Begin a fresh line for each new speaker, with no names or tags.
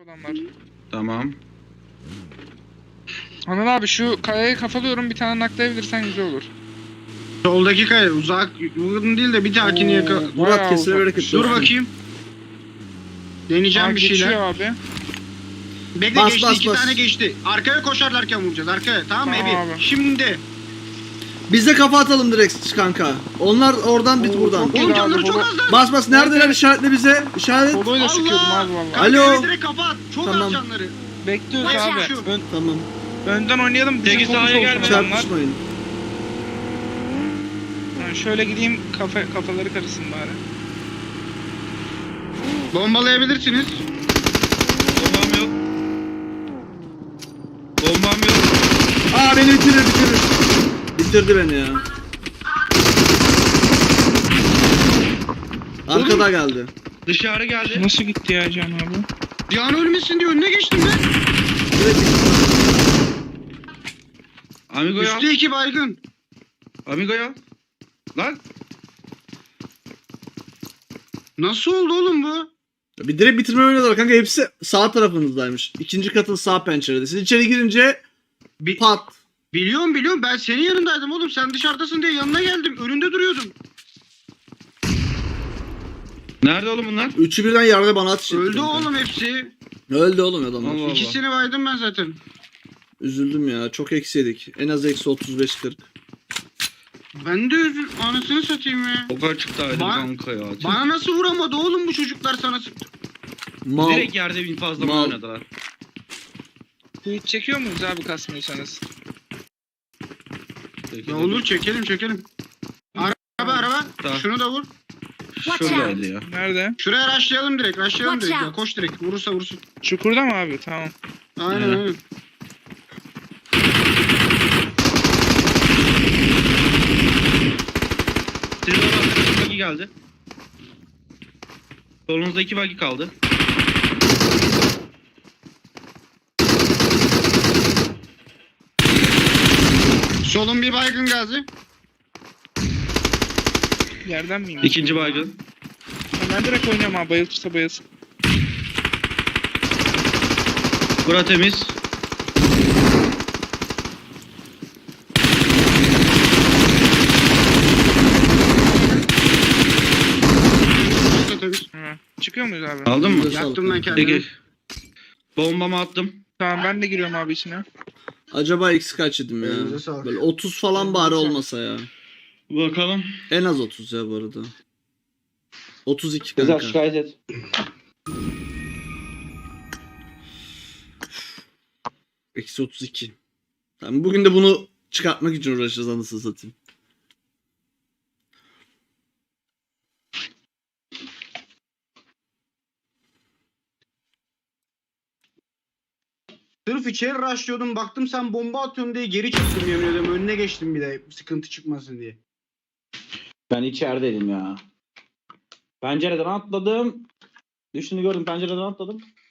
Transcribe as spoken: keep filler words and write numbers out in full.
Adamlar.
Tamam.
Anıl abi şu kayayı kafalıyorum, bir tane naklayabilirsen güzel olur.
Soldaki kaya uzak uzun değil de bir dahakini yaka.
Oo,
Murat
bayağı
kesine
uzakmış.
bereket
Dur
olsun.
bakayım. Deneyeceğim
Aa,
bir
geçiyor
şeyler.
abi.
Bekle
Bas,
geçti
bas,
iki
bas.
tane geçti. Arkaya koşarlarken vuracağız arkaya. Tamam mı
Tamam
Ebi?
abi.
Şimdi.
Biz de kafa atalım direkt kanka. Onlar oradan bit
Oo,
buradan.
çok iyi.
Oğlum
abi,
canları çok
baba.
az lan.
Bas bas neredeler
Nerede?
işaretle bize. İşaret.
Soloyla sıkıyordum
Allah.
abi valla.
Kanka
Alo.
Alo. direkt kapat. Çok
Tamam.
az canları.
Bekliyoruz
Watch
abi.
out.
Ön,
Tamam.
önden oynayalım. Bize
Peki,
fokus
sahaya
olsun
gelme.
adamlar.
Çarpışmayın.
Ha, şöyle gideyim, kafa, kafaları karışsın bari.
Bombalayabilirsiniz.
Bombam yok. Bombam yok.
Aa beni bitirir bitirir. Bitirdi beni ya. Arkada geldi.
Dışarı geldi.
Nasıl gitti ya Can abi?
Cihan ölmesin diye önüne geçtim ben.
Direkt
Amigo ya.
Üstü iki baygın.
Amigo ya. Lan.
Nasıl oldu oğlum bu?
bir direkt bitirme oynadılar kanka, hepsi sağ tarafınızdaymış. İkinci katın sağ pencerede. Siz içeri girince
Bi-
pat.
biliyorum biliyorum ben senin yanındaydım oğlum. Sen dışarıdasın diye yanına geldim. Önünde duruyordum.
Nerede oğlum bunlar?
Üçü birden yerde bana atış etti
Öldü
kanka.
oğlum hepsi.
Öldü oğlum adamlar.
Allah Allah.
İkisini baydım ben zaten.
Üzüldüm ya. Çok eksi yedik. En az eksi otuz beş kırk.
Ben de üzül... Anasını satayım ya.
O kadar çıktı ayrı
Ba-
kanka ya.
Bana nasıl vuramadı oğlum bu çocuklar sana sıktı.
Mal.
Direkt yerde bin fazla mı
Mal.
oynadılar?
Hiç çekiyor muyuz abi kasmıyorsanız?
Peki,
Ya
dedim.
olur çekelim çekelim. Araba araba.
Tamam.
Şunu da vur.
Şuradaydı ya.
Nerede?
Şuraya rushlayalım direkt. Rushlayalım
Watch
direkt. Ya.
out.
Koş direkt. Vurursa vursun.
Çukurda mı abi? Tamam.
Aynen
Evet.
aynen.
Sizin oradan iki bagi geldi. Solunuzda iki bagi kaldı.
Solun bir baygın gazi.
Yerden miyim?
İkinci baygın.
Ben direkt oynuyorum abi. Bayılırsa bayılsın.
Bura temiz.
Burası da temiz.
Ha. Çıkıyor muyuz abi?
Aldın mı?
Elinize
Yaktım
sağlık
ben
kanka.
kendimi.
Peki. Bombamı attım.
Tamam, ben de giriyorum abi içine.
Acaba eksi kaç yedim ya?
Elinize sağlık.
Böyle otuz falan bari
Elinize
olmasa ya.
Bakalım.
En az otuz ya bu arada. otuz iki
Güzel
kanka.
şikayet et.
Eksi otuz iki. Tamam, bugün de bunu çıkartmak için uğraşacağız anasını satayım.
Sırf içeri rushlıyordum. Baktım sen bomba atıyorsun diye geri çıktım yemin ediyorum. Önüne geçtim bir de sıkıntı çıkmasın diye.
Ben içerideydim ya. Pencereden atladım. Düştüğünü gördüm, pencereden atladım.